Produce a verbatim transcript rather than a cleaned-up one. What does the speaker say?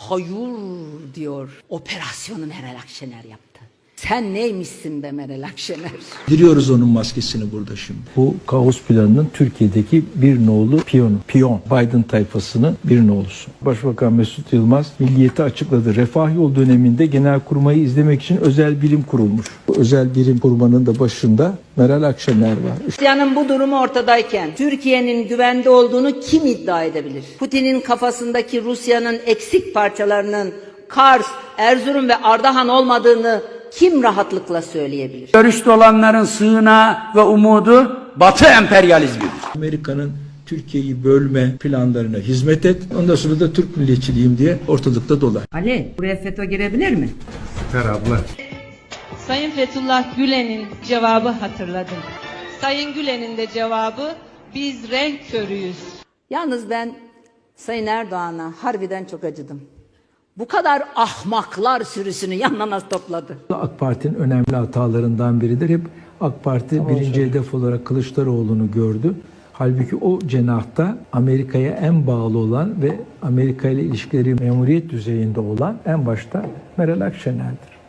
Hayır diyor. Operasyonu Meral Akşener yaptı. Sen neymişsin be Meral Akşener? Diriyoruz onun maskesini burada şimdi. Bu kaos planının Türkiye'deki bir nolu piyonu, piyon, Biden tayfasının bir nolusu. Başbakan Mesut Yılmaz Milliyet'i açıkladı. Refah Yol döneminde Genelkurmay'ı izlemek için özel birim kurulmuş. Bu özel birim kurmanın da başında Meral Akşener var. Rusya'nın bu durumu ortadayken Türkiye'nin güvende olduğunu kim iddia edebilir? Putin'in kafasındaki Rusya'nın eksik parçalarının Kars, Erzurum ve Ardahan olmadığını kim rahatlıkla söyleyebilir? Görüşte olanların sığınağı ve umudu Batı emperyalizmidir. Amerika'nın Türkiye'yi bölme planlarına hizmet et. Ondan sonra da Türk milliyetçiliyim diye ortalıkta dolar. Ali, buraya FETÖ girebilir mi? Sayın Fethullah Gülen'in cevabı hatırladım. Sayın Gülen'in de cevabı biz renk körüyüz. Yalnız ben Sayın Erdoğan'a harbiden çok acıdım. Bu kadar ahmaklar sürüsünü yanına nasıl topladı? AK Parti'nin önemli hatalarından biridir. Hep AK Parti tamam, birinci söyle. hedef olarak Kılıçdaroğlu'nu gördü. Halbuki o cenahta Amerika'ya en bağlı olan ve Amerika ile ilişkileri memuriyet düzeyinde olan en başta Meral Akşener'dir.